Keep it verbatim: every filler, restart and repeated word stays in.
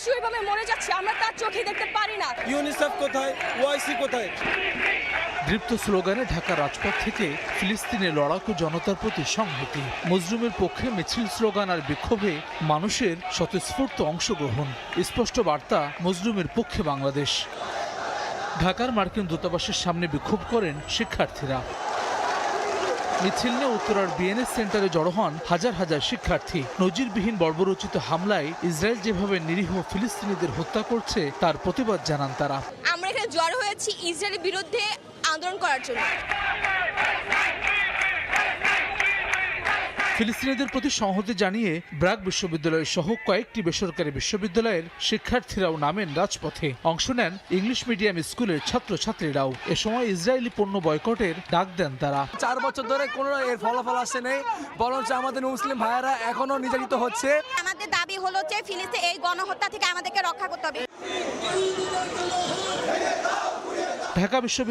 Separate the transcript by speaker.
Speaker 1: শিশু এভাবে মরে যাচ্ছে, আমরা তার চোখে দেখতে পারি না।
Speaker 2: ইউনিসেফ কোথায়, ওআইসি কোথায়?
Speaker 3: দীপ্ত স্লোগানে ঢাকা রাজপথ থেকে ফিলিস্তিনের লড়াকু জনতার প্রতি সংহতি, মজলুমের পক্ষে মিছিল স্লোগান আর বিক্ষোভে মানুষের স্বতঃস্ফূর্ত অংশগ্রহণ, স্পষ্ট বার্তা মজলুমের পক্ষে বাংলাদেশ। ঢাকার মার্কিন দূতাবাসের সামনে বিক্ষোভ করেন শিক্ষার্থীরা। মিছিল নিয়ে উত্তরার বিএনএস সেন্টারে জড়ো হন হাজার হাজার শিক্ষার্থী। নজিরবিহীন বর্বরোচিত হামলায় ইসরায়েল যেভাবে নিরীহ ফিলিস্তিনিদের হত্যা করছে তার প্রতিবাদ জানান তারা।
Speaker 1: আমরা এখানে জড়ো হয়েছি ইসরায়েলের বিরুদ্ধে আন্দোলন করার জন্য।
Speaker 3: ফিলিস্তিনিদের প্রতি সংহতি জানিয়ে ব্র্যাক বিশ্ববিদ্যালয় সহ কয়েকটি বেসরকারি বিশ্ববিদ্যালয়ের শিক্ষার্থীরাও নামেন রাজপথে। অংশ নেন ইংলিশ মিডিয়াম স্কুলের ছাত্রছাত্রীরাও। এ সময় ইসরায়েলি পণ্য বয়কটের ডাক দেন তারা।
Speaker 2: চার বছর ধরে কোনো এর ফলাফল আসে নেই, বরঞ্চ আমাদের মুসলিম ভাইয়েরা এখনো নির্যাতিত হচ্ছে।
Speaker 1: আমাদের দাবি হলো যে ফিলিস্তিনে এই গণহত্যা থেকে আমাদেরকে রক্ষা করতে হবে।
Speaker 3: ঢাকা বিশ্ববিদ্যালয়